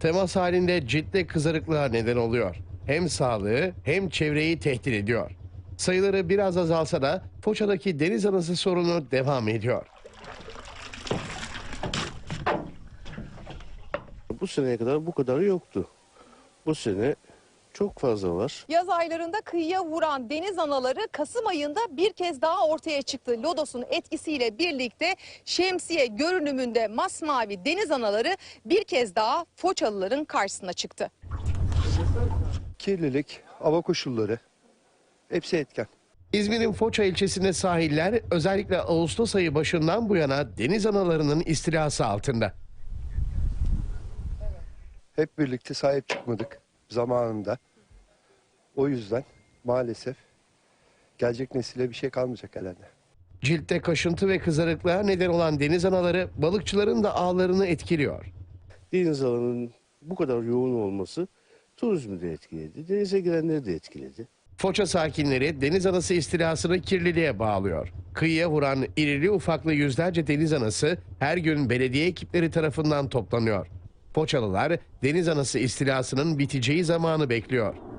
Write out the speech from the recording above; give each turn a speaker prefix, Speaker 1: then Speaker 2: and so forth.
Speaker 1: temas halinde ciddi kızarıklığa neden oluyor. Hem sağlığı hem çevreyi tehdit ediyor. Sayıları biraz azalsa da Foça'daki deniz anası sorunu devam ediyor.
Speaker 2: Bu seneye kadar bu kadarı yoktu. Bu sene çok fazla var.
Speaker 3: Yaz aylarında kıyıya vuran deniz anaları Kasım ayında bir kez daha ortaya çıktı. Lodosun etkisiyle birlikte şemsiye görünümünde masmavi deniz anaları bir kez daha Foçalıların karşısına çıktı.
Speaker 4: Kirlilik, hava koşulları hepsi etken.
Speaker 1: İzmir'in Foça ilçesinde sahiller özellikle Ağustos ayı başından bu yana deniz analarının istilası altında.
Speaker 4: Hep birlikte sahip çıkmadık zamanında. O yüzden maalesef gelecek nesile bir şey kalmayacak herhalde.
Speaker 1: Ciltte kaşıntı ve kızarıklığa neden olan deniz anaları balıkçıların da ağlarını etkiliyor.
Speaker 2: Deniz alanının bu kadar yoğun olması turizmi de etkiledi. Denize girenleri de etkiledi.
Speaker 1: Foça sakinleri deniz anası istilasını kirliliğe bağlıyor. Kıyıya vuran irili ufaklı yüzlerce deniz anası her gün belediye ekipleri tarafından toplanıyor. Foçalılar deniz anası istilasının biteceği zamanı bekliyor.